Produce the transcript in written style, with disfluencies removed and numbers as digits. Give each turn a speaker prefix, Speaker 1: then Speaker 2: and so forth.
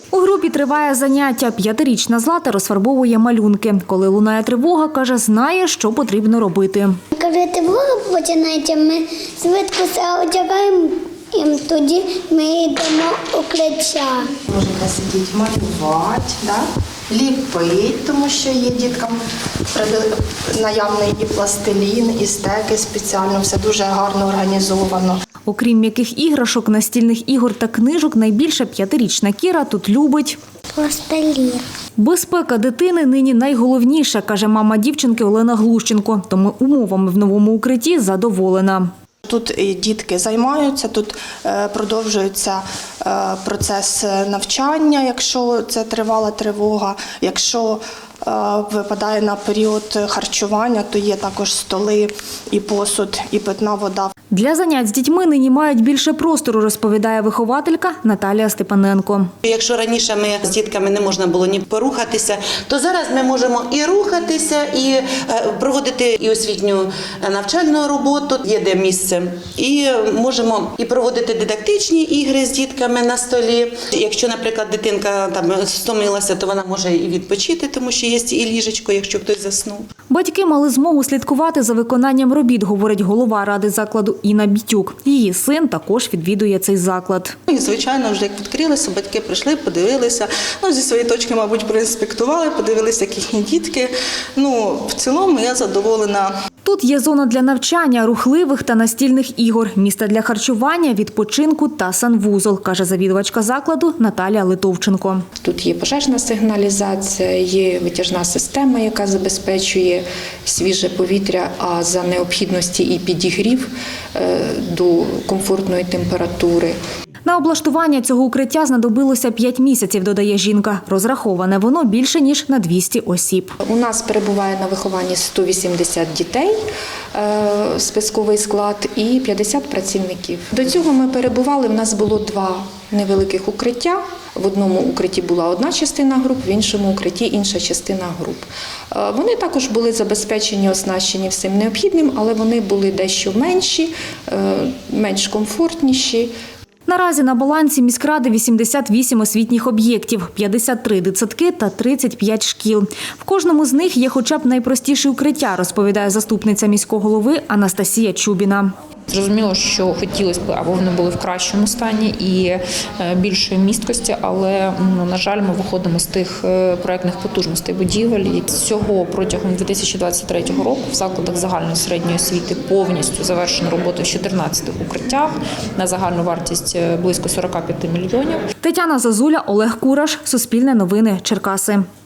Speaker 1: У групі триває заняття. 5-річна Злата розфарбовує малюнки. Коли лунає тривога, каже, знає, що потрібно робити.
Speaker 2: Коли тривога починається, ми швидко все одягаємо, і тоді ми йдемо у укриття.
Speaker 3: Можете сидіти, малювати, ліпити, тому що є діткам наявний і пластилін, і стеки спеціально, все дуже гарно організовано.
Speaker 1: Окрім м'яких іграшок, настільних ігор та книжок, найбільша 5-річна Кіра тут любить.
Speaker 2: Пластилін.
Speaker 1: Безпека дитини нині найголовніша, каже мама дівчинки Олена Глущенко. Тому умовами в новому укритті задоволена.
Speaker 3: Тут і дітки займаються, тут продовжується процес навчання, якщо це тривала тривога. Якщо випадає на період харчування, то є також столи, і посуд, і питна вода.
Speaker 1: Для занять з дітьми нині мають більше простору, розповідає вихователька Наталія Степаненко.
Speaker 4: Якщо раніше ми з дітками не можна було ні порухатися, то зараз ми можемо і рухатися, і проводити і освітню навчальну роботу, є де місце. І можемо і проводити дидактичні ігри з дітками на столі. Якщо, наприклад, дитинка там стомилася, то вона може і відпочити, тому що є і ліжечко, якщо хтось заснув.
Speaker 1: Батьки мали змогу слідкувати за виконанням робіт, говорить голова ради закладу Інна Бітюк. Її син також відвідує цей заклад.
Speaker 5: І, звичайно, вже як відкрилося, батьки прийшли, подивилися. Зі своєї точки, мабуть, проінспектували, подивилися, як їхні дітки. В цілому я задоволена.
Speaker 1: Тут є зона для навчання, рухливих та настільних ігор, місце для харчування, відпочинку та санвузол, каже завідувачка закладу Наталія Литовченко.
Speaker 6: Тут є пожежна сигналізація, є витяжна система, яка забезпечує свіже повітря, а за необхідності і підігрів до комфортної температури.
Speaker 1: На облаштування цього укриття знадобилося 5 місяців, додає жінка. Розраховане воно більше, ніж на 200 осіб.
Speaker 6: У нас перебуває на вихованні 180 дітей, списковий склад, і 50 працівників. До цього ми перебували, в нас було 2 невеликих укриття. В одному укритті була одна частина груп, в іншому укритті інша частина груп. Вони також були забезпечені, оснащені всім необхідним, але вони були дещо менші, менш комфортніші.
Speaker 1: Наразі на балансі міськради 88 освітніх об'єктів, 53 дитсадки та 35 шкіл. В кожному з них є хоча б найпростіші укриття, розповідає заступниця міського голови Анастасія Чубіна.
Speaker 7: Зрозуміло, що хотілося б, аби вони були в кращому стані і більшої місткості, але, на жаль, ми виходимо з тих проєктних потужностей будівель. Всього протягом 2023 року в закладах загальної середньої освіти повністю завершено роботу в 14 укриттях на загальну вартість близько 45 мільйонів.
Speaker 1: Тетяна Зазуля, Олег Кураш, Суспільне новини, Черкаси.